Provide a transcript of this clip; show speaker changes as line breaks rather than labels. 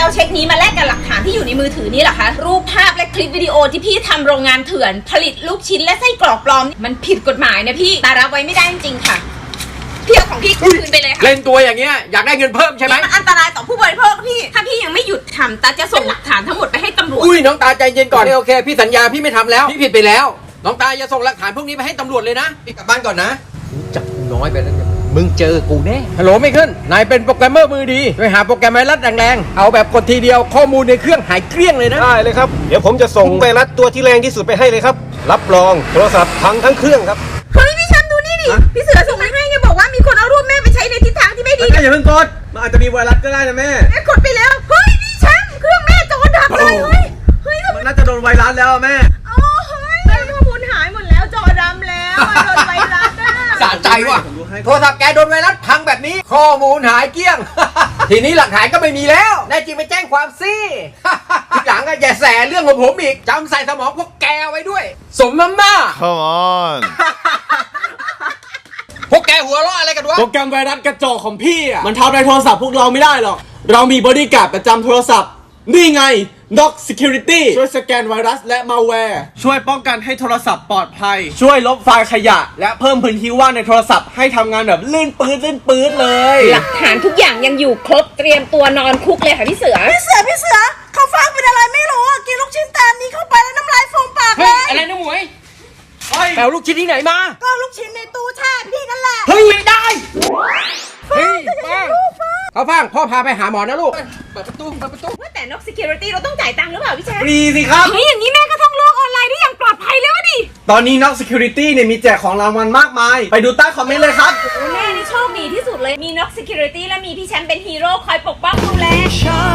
เอาเช็คนี้มาแลกกับหลักฐานที่อยู่ในมือถือนี่เหรอคะรูปภาพและคลิปวิดีโอที่พี่ทำโรงงานเถื่อนผลิตลูกชิ้นและไส้กรอกปลอมมันผิดกฎหมายนะพี่ตารับไว้ไม่ได้จริงๆค่ะพี่เอาของพี่คืนไปเลยค่ะ
เล่นตัวอย่างเงี้ยอยากได้เงินเพิ่มใช่ไหม
มันอันตรายต่อผู้บริโภคพี่ถ้าพี่ยังไม่หยุดทำตาจะส่งหลักฐานทั้งหมดไปให้ตำรวจ
อุ้ยน้องตาใจเย็นก่อนโอเคพี่สัญญาพี่ไม่ทำแล้วพี่ผิดไปแล้วน้องตาอย่าส่งหลักฐานพวกนี้ไปให้ตำรวจเลยนะพี่กลับบ้านก่อนนะจับน้อยไปแล้วมึงเจอกูแน่ฮัลโหลไม่ขึ้นนายเป็นโปรแกรมเมอร์มือดีไปหาโปรแกรมไวรัสแรงๆเอาแบบกดทีเดียวข้อมูลในเครื่องหายเกลี้ยงเลยนะ
ได้เลยครับเดี๋ยวผมจะส่งไวรัสตัวที่แรงที่สุดไปให้เลยครับรับรองโทรศัพท์พังทั้งเครื่องครับ
เฮ้ยพี่แชมป์ดูนี่ดิพี่เสือส่งมาให้เนี่ยบอกว่ามีคนเอารูปแม่ไปใช้ในทิศทางที่ไม่ดี
อย่าเพิ่งกดมันอาจจะมีไวรัสก็ได้นะแม่
กดไปแล้วเฮ้ยพี่แชมป์เครื่องแม่จอดับเลยเฮ้ย
มันน่าจะโดนไวรัสแล้วแม่
โอ้เฮ้ยข้อมูลหายหมดแล้วจอดำแล้วโดนไวรัส
สะใจว่ะโทรศัพท์แกโดนไวรัสพังแบบนี้ข้อมูลหายเกลี้ยง ทีนี้หลักฐานก็ไม่มีแล้วแน่จริงไปแจ้งความสิ ทีหลังอะอย่าแสเรื่องของผมอีกจำใส่สมองพวกแกไว้ด้วยสมน้ำหน้า
Come on
พวกแกหัวเราะอะไรกันวะ
โปรแกรมไวรัสกระจอกของพี่อ่ะมันทำในโทรศัพท์พวกเราไม่ได้หรอกเรามีบอดี้การ์ดประจำโทรศัพท์นี่ไง Knox Security ช่วยสแกนไวรัสและมาแวร์ช่วยป้องกันให้โทรศัพท์ปลอดภัยช่วยลบไฟล์ขยะและเพิ่มพื้นที่ว่างในโทรศัพท์ให้ทำงานแบบลื่นปื๊ดเลย
หลักฐานทุกอย่างยังอยู่ครบเตรียมตัวนอนคุกเลยค่ะพี่เสือเขาฟังเป็นอะไรไม่รู้กินลูกชิ้นตานี้เข้าไปแล้วน้ำลายฟูมปากเล
เฮ้ย
ย
อะไรนะหมวยแปลลูกชิ้นที่ไหนมา
ก็ลูกชิ้นในตู้แช่พี่นั่นแหละ
เฮ้ยไม่ได้เฮ้ยป้าเขาฟังพ่อพาไปหาหมอนะลูกเปิดประตู
ว่าแต่ Knox Security เราต้องจ่ายตังค์หรือเปล่าพี่แชมป์
ฟรีสิครับ
เฮ้ยอย่างนี้แม่ก็ต้องโลกออนไลน์ได้อย่างปลอดภัยแล้วดิ
ตอนนี้ Knox Security เนี่ยมีแจกของรางวัลมากมายไปดูใต้คอมเมนต์เลยครับ
แม่นี่โชคดีที่สุดเลยมี Knox Security และมีพี่แชมป์เป็นฮีโร่คอยปกป้องดูแล